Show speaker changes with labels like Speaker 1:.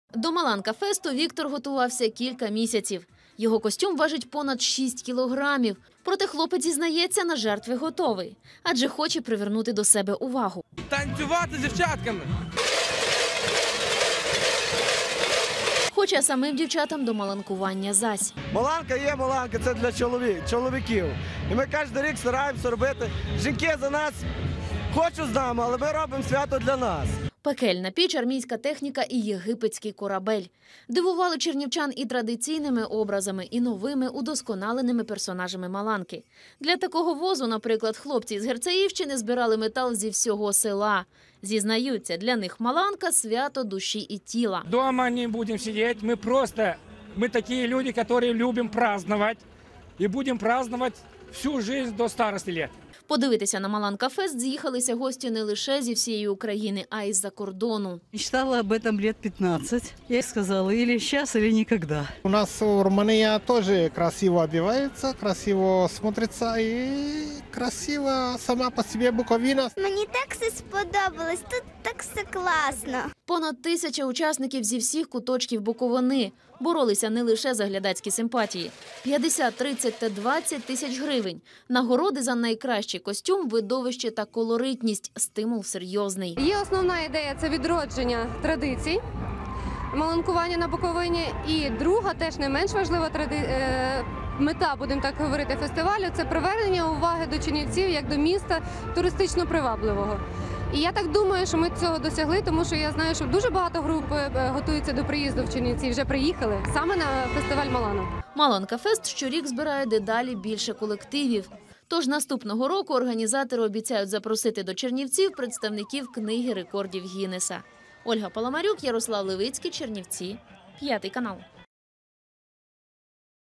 Speaker 1: До Маланка-фесту Віктор готувався кілька місяців. Його костюм важить понад 6 кілограмів. Проте хлопець зізнається, на жертви готовий. Адже хоче привернути до себе увагу.
Speaker 2: Танцювати з дівчатками.
Speaker 1: Хоча самим дівчатам до маланкування зась.
Speaker 3: Маланка є маланка, це для чоловіків. І ми кожен рік стараємося робити. Жінки за нас хочуть з нами, але ми робимо свято для нас.
Speaker 1: Пекельна піч, армійська техніка і єгипетський корабель. Дивували чернівчан і традиційними образами, і новими удосконаленими персонажами Маланки. Для такого возу, наприклад, хлопці з Герцеївщини збирали метал зі всього села. Зізнаються, для них Маланка – свято душі і тіла.
Speaker 4: Дома не будем сидеть, мы такие люди, которые любим праздновать. И будем праздновать всю жизнь до старости лет.
Speaker 1: Подивитися на Маланка-фест з'їхалися гості не лише зі всієї України, а й з-за кордону.
Speaker 5: Мечтала об этом лет 15. Я сказала, или сейчас, или никогда.
Speaker 6: У нас Румыния тоже красиво одевается, красиво смотрится и красиво сама по себе Буковина.
Speaker 7: Мені так все сподобалось, тут так все класно.
Speaker 1: Понад 1000 учасників зі всіх куточків Буковини. Боролися не лише за глядацькі симпатії. 50, 30 та 20 тисяч гривень. Нагороди за найкращий костюм, видовище та колоритність. Стимул серйозний.
Speaker 8: Є основна ідея – це відродження традицій, маланкування на Буковині. І друга, теж не менш важлива мета, будемо так говорити, фестивалю – це привернення уваги до чернівців як до міста туристично привабливого. І я так думаю, що ми цього досягли, тому що я знаю, що дуже багато груп готуються до приїзду в Чернівці, вже приїхали саме на фестиваль Маланок.
Speaker 1: Маланка-фест щорік збирає дедалі більше колективів. Тож наступного року організатори обіцяють запросити до Чернівців представників книги рекордів Гіннеса. Ольга Паламарюк, Ярослав Левицький, Чернівці, 5 канал.